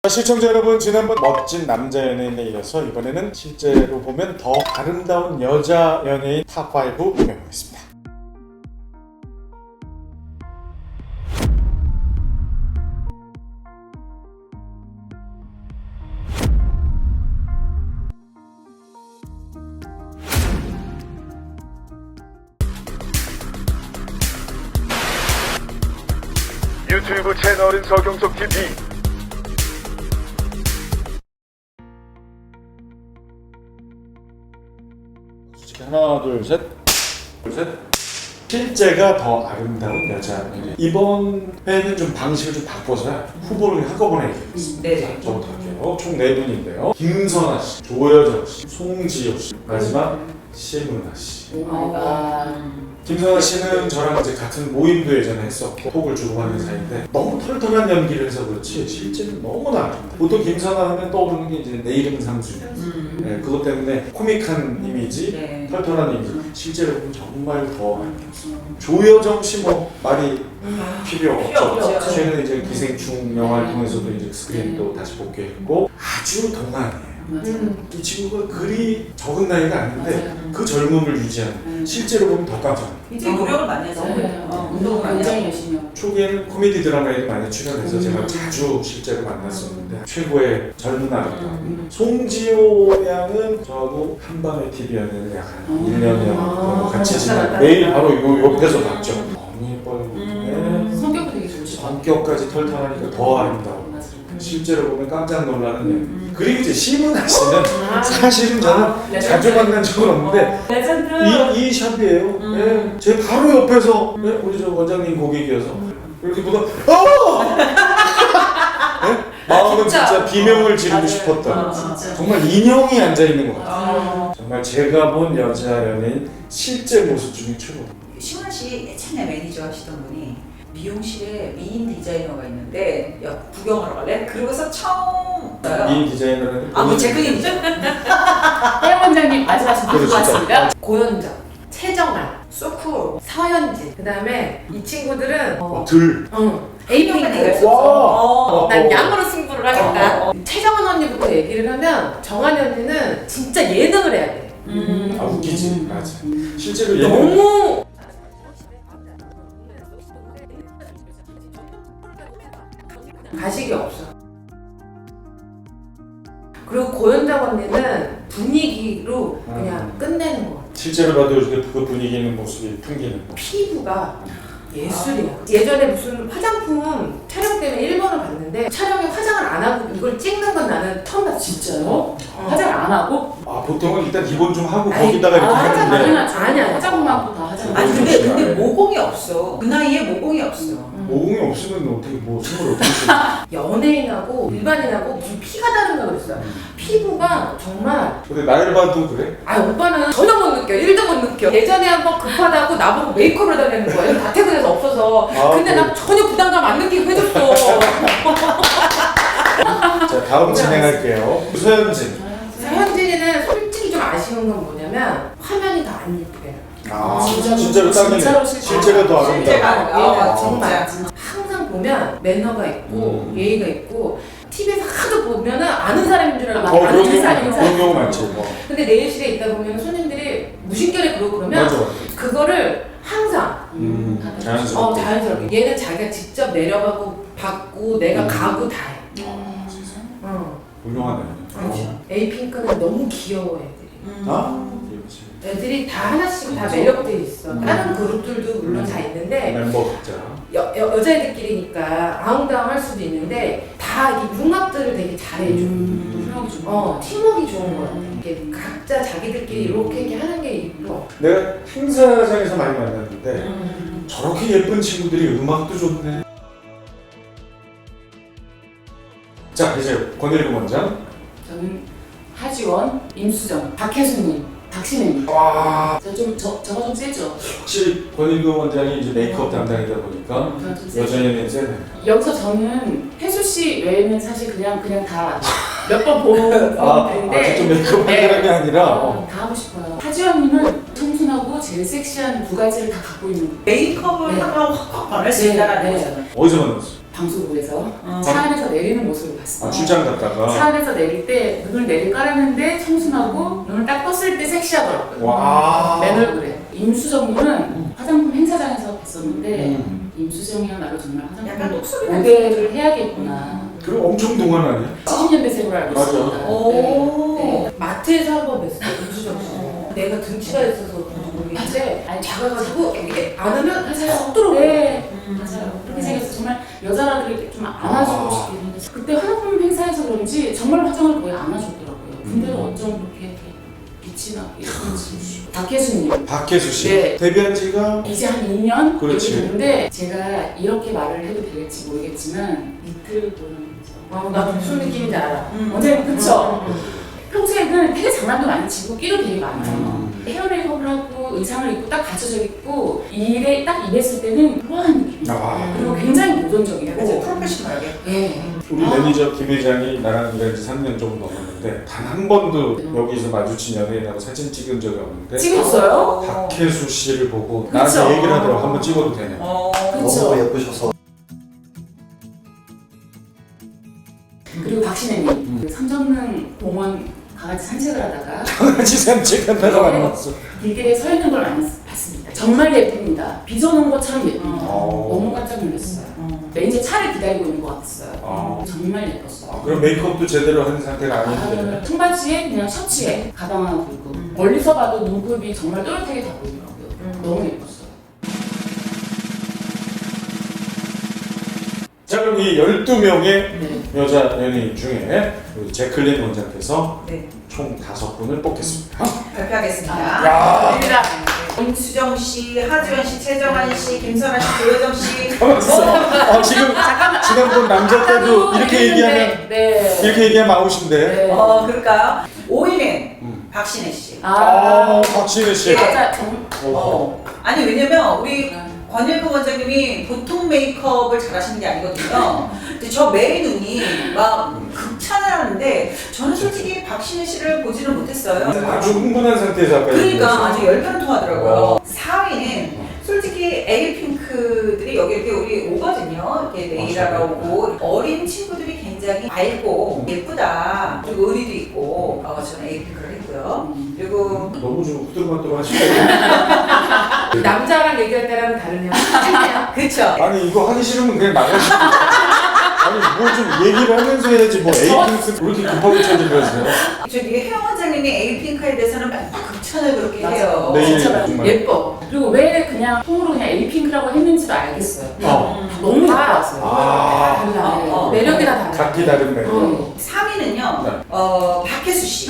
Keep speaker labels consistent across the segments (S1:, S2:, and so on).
S1: 시청자 여러분, 지난번 멋진 남자 연예인에 이어서 이번에는 실제로 보면 더 아름다운 여자 연예인 탑5 구명하겠습니다.
S2: 유튜브 채널은 서경석 TV.
S1: 하나, 둘, 셋. 실제가 더 아름다운 여자 연예인. 이번 회는 좀 방식을 좀 바꿔서 후보를 한꺼번에 얘기하겠습니다.
S3: 네.
S1: 저부터 할게요. 총 4분인데요. 김선아 씨, 조여정 씨, 송지효 씨, 마지막 심은하 씨. 김선아 씨는 저랑 이제 같은 모임도 예전에 했었고 톡을 주고받는 사이인데 너무 털털한 연기를 해서 그렇지 실제는 너무나 아름다. 보통 김선아 하면 떠오르는 게 이제 내 이름 상수냐. 네, 그것 때문에 코믹한 이미지,
S3: 네.
S1: 털털한 이미지. 실제로 보면 정말 더 아름답습니다. 조여정 씨 뭐 말이 필요 없죠. 최근에 이제 기생충 영화를 통해서도 이제 스크린도 다시 복귀했고 아주 동안이에요. 이 친구가 그리 적은 나이가 아닌데 그 젊음을 유지하는 실제로 보면 더 깜짝 놀라요.
S3: 굉장히 노력을 많이 했어요. 운동을 많이
S4: 굉장히
S3: 하고.
S4: 열심히 하고.
S1: 초기에는 코미디 드라마에도 많이 출연해서 제가 자주 실제로 만났었는데 최고의 젊은 아름다움. 송지효 양은 저하고 한밤의 TV연애를 약 한 1년여 같이 지내고 매일 바로 요 옆에서 봤죠. 너무 예뻐요. 네.
S4: 성격도 되게 좋으시고.
S1: 성격까지 털털하니까 더 아름다워. 실제로 보면 깜짝 놀라는 연. 그리고 이제 심은하 씨는 사실은 저는 자주 만난 적은 없는데
S4: 레전드.
S1: 이 샵이에요. 네. 제 바로 옆에서 네? 우리 저 원장님 고객이어서 이렇게 보다 네? 마음은 진짜 비명을 지르고 싶었던 정말 인형이 앉아 있는 것 같아요. 정말 제가 본 여자 연예인 실제 모습 중에 최고다.
S3: 시원아 씨 예전에 매니저 하시던 분이 미용실에 미인 디자이너가 있는데 야 구경하러 갈래? 그러고서 처음
S1: 미인 디자이너는
S3: 뭐 제 그림이죠?
S4: 혜영 원장님 말씀하신 분
S1: 그렇죠.
S4: 같습니다. 고현정, 최정아, 소쿨, 서현진. 그다음에 이 친구들은
S1: 들.
S4: 에이핑크.
S1: 와.
S4: 난 양으로 승부를 하겠다. 최정은 언니부터 얘기를 하면 정한이 언니는 진짜 예능을 해야 돼.
S1: 아 웃기지. 맞아. 실제로 예능
S4: 너무 가식이 없어. 그리고 고현정 언니는 분위기로 그냥 끝내는 거.
S1: 실제로 봐도 이렇게 그 분위기 있는 모습이 풍기는 거.
S4: 피부가 예술이야. 예전에 무슨 화장품 촬영 때문에 일본을 갔는데 촬영에 화장을 안 하고 이걸 찍는 건 나는 처음 봤어. 진짜요? 화장을 안 하고?
S1: 아 보통은 일단 기본 좀 하고
S4: 아니,
S1: 거기다가 이렇게
S4: 화장
S1: 하는데
S4: 당연하지. 아니야. 화장만 다 화장.
S3: 아니 근데 모공이 없어. 그 나이에 모공이 없어.
S1: 모공이 없으면 어떻게 뭐 생을 어떻게 수
S4: 연예인하고 일반인하고 무슨 피가 다른가 그랬어. 피부가 정말.
S1: 근데 나이를 봐도 그래?
S4: 아 오빠는 전혀 못 느껴. 1도 못 느껴. 예전에 한번 급하다고 나보고 메이크업을 해달라는 거예요. 다 퇴근해서 없어서. 근데 나 전혀 부담감 안 느끼고 해줬어.
S1: 자 다음 진행할게요. 서현진.
S4: 현진이는 솔직히 좀 아쉬운 건 뭐냐면 화면이 더 안 예쁘게.
S1: 아
S4: 진짜로,
S1: 진짜로
S4: 진짜로
S1: 딱이네. 실제가 더
S3: 실제가.
S1: 아름다워.
S4: 얘가
S3: 아,
S4: 정말
S3: 진짜.
S4: 항상 보면 매너가 있고 예의가 있고 TV에서 하도 보면은 아는 사람인 줄 알고
S1: 그런
S4: 아는
S1: 경우
S4: 사람인
S1: 그런
S4: 사람.
S1: 경우 많지. 뭐.
S4: 근데 내일실에 있다 보면 손님들이 무심결에 그러고 그러면
S1: 맞아.
S4: 그거를 항상
S1: 자연스럽게.
S4: 자연스럽게 얘는 자기가 직접 내려가고 받고 내가 가고 다 해.
S1: 훌륭하네.
S4: 에이핑크는 너무 귀여워 애들이.
S1: 아?
S4: 애들이 다 하나씩 다 매력돼 있어. 다른 그룹들도 물론 다 있는데
S1: 멤버 각자.
S4: 여자애들끼리니까 아웅다웅할 수도 있는데 다 이게 융합들을 되게 잘해줘. 팀워크 좋은 거 같아. 이게 각자 자기들끼리 이렇게 하는 게 있고.
S1: 내가 행사장에서 많이 만났는데 저렇게 예쁜 친구들이 음악도 좋네. 자 이제 권일구 원장.
S4: 저는 하지원, 임수정, 박혜수님, 박신혜님.
S1: 와
S4: 저가 좀 세죠.
S1: 확실히 권일구 원장이 이제 메이크업 담당이다 보니까
S4: 저가 좀 세죠.
S1: 여전히 세네.
S4: 여기서 저는 혜수 씨 외에는 사실 그냥 다 몇 번 본 분들인데
S1: 직접 메이크업 한 사람이 아니라
S4: 다 하고 싶어요. 하지원님은 청순하고 제일 섹시한 두 가지를 다 갖고 있는.
S3: 메이크업을
S4: 네.
S3: 하면 확 변할 수 있다는
S4: 네.
S3: 거잖아.
S1: 어디서 만났어?
S4: 방송국에서 차 안에서 내리는 모습을 봤어요.
S1: 출장 갔다가.
S4: 차 안에서 내릴 때 눈을 내리 깔았는데 청순하고 눈을 딱 떴을 때 섹시하더라고요.
S1: 와.
S4: 맨 얼굴에. 임수정님은 화장품 행사장에서 뵀었는데 임수정이야 나를 정말
S3: 약간
S4: 화장품
S3: 똑소리
S4: 모델을 해야겠구나.
S1: 그럼 엄청 동안 아니야?
S4: 70년대생으로 알고
S1: 맞아.
S4: 있습니다.
S3: 오.
S4: 네.
S5: 마트에서 한 번 뵀어요. 임수정 씨. 내가 등치가 있어서 모르겠는데
S4: 아니
S5: 작아가지고 이게 안으면
S4: 맞아요.
S5: 쏙 들어오고.
S4: 네. 맞아요. 그렇게 생겨서 정말 여자라도 이렇게 좀 안아주고 싶긴 했는데 그때 화장품 행사에서 그런지 정말 화장을 거의 안 하셨더라고요. 근데 어쩜 그렇게 빛이 나고 예쁜지. 박혜수님.
S1: 박혜수 씨.
S4: 네.
S1: 데뷔한 지가
S4: 이제 한 2년
S1: 그렇지.
S4: 이렇게 됐는데 제가 이렇게 말을 해도 될지 모르겠지만 이틀 보는 거죠.
S5: 나도 무슨 느낌인지 알아.
S4: 원장님 그쵸? 평소에는 되게 장난도 많이 치고 끼도 되게 많아요. 헤어 메이크업을 하고 의상을 입고 딱 갖춰져 있고 이 일에 딱 임했을 때는 우아한 느낌이에요.
S1: 아.
S4: 그리고 굉장히
S3: 약간
S4: 도전적이고
S3: 프로페셔널하게.
S4: 예.
S1: 우리 매니저 김 회장이 나랑 일한 지 3년 정도 넘었는데 단 한 번도 여기서 마주친 연예인하고 사진 찍은 적이 없는데
S4: 찍었어요?
S1: 박혜수 씨를 보고
S4: 그쵸.
S1: 나한테 얘기를 하더라고. 한번 찍어도 되냐.
S4: 그쵸?
S6: 너무 예쁘셔서
S4: 그리고 박신혜님 그 삼성릉 공원 강아지 산책을 하다가
S1: 같이 산책한다가 만났어.
S4: 길길에 서 있는 걸 봤습니다. 정말 예쁩니다. 빚어놓은 것처럼 예쁩니다. 너무 깜짝 놀랐어요. 매니저 차를 기다리고 있는 것 같았어요. 정말 예뻤어요.
S1: 그럼 메이크업도 제대로 한 상태가 아닌데.
S4: 청바지에 그냥 셔츠에 가방 하나 들고 멀리서 봐도 눈곱이 정말 또렷하게 다 보이더라고요. 너무 예뻤어요.
S1: 자 그럼 이 12명의
S4: 네.
S1: 여자 연예인 중에 우리 제클린 원장께서
S3: 네.
S1: 총 5분을 뽑겠습니다.
S3: 발표하겠습니다.
S1: 야.
S3: 입니다. 임수정 씨, 하지원 씨, 최정환 씨, 김선아 씨, 조여정 씨.
S1: 지금 지난번 남자 때도 이렇게 얘기하면
S4: 네.
S1: 이렇게 얘기하면 아웃인데.
S4: 네.
S3: 그럴까요? 5위는 박신혜 씨.
S1: 박신혜 씨.
S4: 맞아.
S3: 아니 왜냐면 우리 권일구 원장님이 보통 메이크업을 잘하시는 게 아니거든요. 근데 저 매의 눈이 막 극찬을 하는데 저는 솔직히 박신혜 씨를 보지는 못했어요.
S1: 아주 흥분한 상태에서 아까
S3: 그러니까
S1: 얘기했어요.
S3: 아주 열변 통하더라고요. 4위는 솔직히 에이핑크들이 여기 이렇게 우리 오거든요. 이렇게 네일하러 오고 어린 친구들이 굉장히 밝고 예쁘다. 그리고 의리도 있고 저는 에이핑크를 했고요. 그리고
S1: 너무 좀 후들후들 하시고.
S5: 남자랑 얘기할 때랑은 다르냐?
S3: 그쵸.
S1: 아니 이거 하기 싫으면 그냥 나가시고. 아니 뭐 좀 얘기를 하면서 해야지 뭐 에이핑크 그렇게 급하게 찾으면서요.
S3: 저기 혜영 원장님이 에이핑크에 대해서는 맨날 극찬을 그렇게 해요.
S1: 네.
S4: 진짜
S1: 정말.
S4: 예뻐. 그리고 왜 그냥 통으로 그냥 에이핑크라고 했는지도 알겠어요. 너무 예뻐요.
S5: 달라. 매력이 다 달라.
S1: 각기 다른 매력.
S3: 3위는요.
S1: 네.
S3: 박혜수 씨.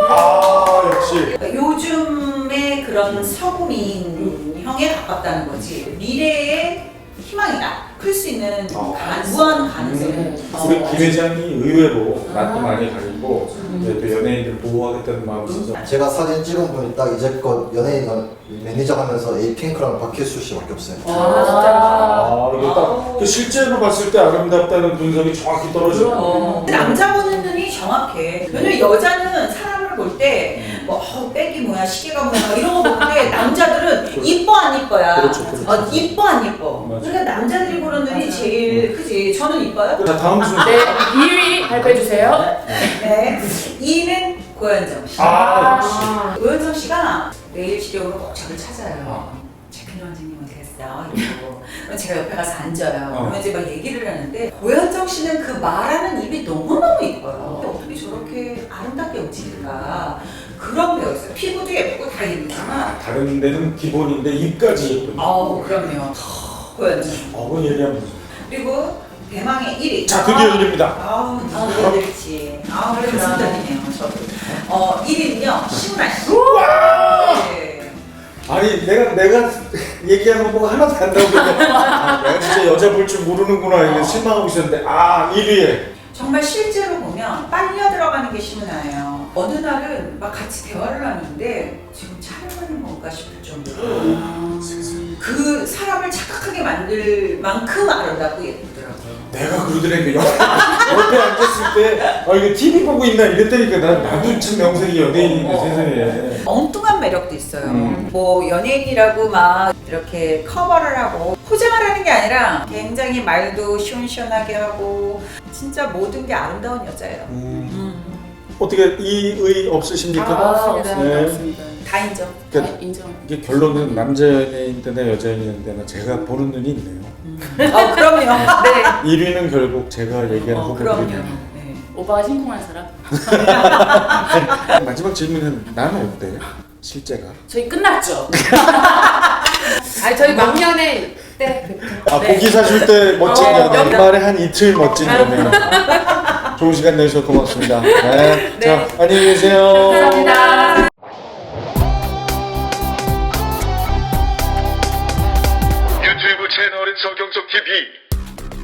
S1: 역시.
S3: 요즘의 그런 서구민형에 가깝다는 거지. 미래의 희망이다. 클 수 있는 무한 가능성이.
S1: 우리 김 회장이 의외로 낯도 많이 가리고 이제 또 연예인들 보호하겠다는 마음이 있어서
S6: 제가 사진 찍은 분이 딱 이제껏 연예인 매니저 하면서 에이핑크랑 박혜수 씨밖에 없어요.
S1: 이게 딱 실제로 봤을 때 아름답다는 분석이 정확히 떨어져요.
S3: 남자 보는 눈이 정확해. 왜냐면 여자는 사람을 볼 때 뭐 백이 뭐야, 시계가 뭐야 이런 거 보는데 남자들은 이뻐 안 이뻐야.
S1: 그렇죠.
S3: 이뻐 안 이뻐.
S1: 맞아.
S3: 그러니까 남자들이 보는 눈이 제일 크지. 저는 이뻐요?
S1: 자 다음 순서.
S4: 네, 2위 발표해주세요.
S3: 네. 2위는 고현정 씨.
S1: 역시.
S3: 고현정 씨가 내일 시력으로 꼭 저를 찾아요. 최근에 원장님 어디 갔어? 이러고. 그럼 제가 옆에 가서 앉아요. 그러면 이제 막 얘기를 하는데 고현정 씨는 그 말하는 입이 너무너무 이뻐요. 어떻게 저렇게 아름답게 움직일까? 그런 배우였어요. 피부도 예쁘고 다 예쁘지만
S1: 다른 데는 기본인데 입까지 예쁜.
S3: 그럼요. 고현정.
S1: 그건 얘기하면.
S3: 그리고 대망의 1위.
S1: 자 드디어 일입니다.
S3: 누가 될지. 그래 무슨 뜻이네요. 저도. 1위는요 시문아 씨. 네.
S1: 아니 내가 얘기하는 거 보고 하나도 안 나오겠네. 내가 진짜 여자 볼 줄 모르는구나 이런 실망하고 있었는데 1위에.
S3: 정말 실제로 보면 빨려 들어가는 게 시문아예요. 어느 날은 막 같이 대화를 하는데 지금 촬영하는 건가 싶을 정도로 그 사람을 착각하게 만들 만큼 아름답고 예쁘더라고요.
S1: 내가 그러더라니까 옆에 앉았을 때 이거 TV 보고 있나 이랬다니까 나도 참 명색이 연예인인데 세상에.
S3: 엉뚱한 매력도 있어요. 뭐 연예인이라고 막 이렇게 커버를 하고 포장을 하는 게 아니라 굉장히 말도 시원시원하게 하고 진짜 모든 게 아름다운 여자예요.
S1: 어떻게 이의 없으십니까?
S4: 없습니다.
S1: 네.
S4: 없습니다.
S3: 다 인정.
S1: 그러니까
S4: 인정.
S1: 이게 결론은 남자 연예인 때나 여자 연예인 때나 제가 보는 눈이 있네요.
S3: 그럼요. 네.
S1: 1위는 결국 제가 얘기하는
S3: 그럼요.
S1: 후보들이네요.
S3: 네.
S4: 오빠가 심쿵한 사람?
S1: 마지막 질문은 나는 어때? 실제가?
S4: 저희 끝났죠?
S5: 아니 저희 막년에 때부터.
S1: 아 고기 사줄 때 멋진 연애 말에 한 이틀 멋진 연애. 좋은 시간 내주셔서 고맙습니다. 네. 자 안녕히 계세요.
S4: 감사합니다.
S2: 유튜브 채널은 서경석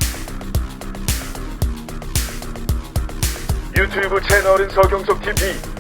S2: TV. 유튜브 채널은 서경석 TV.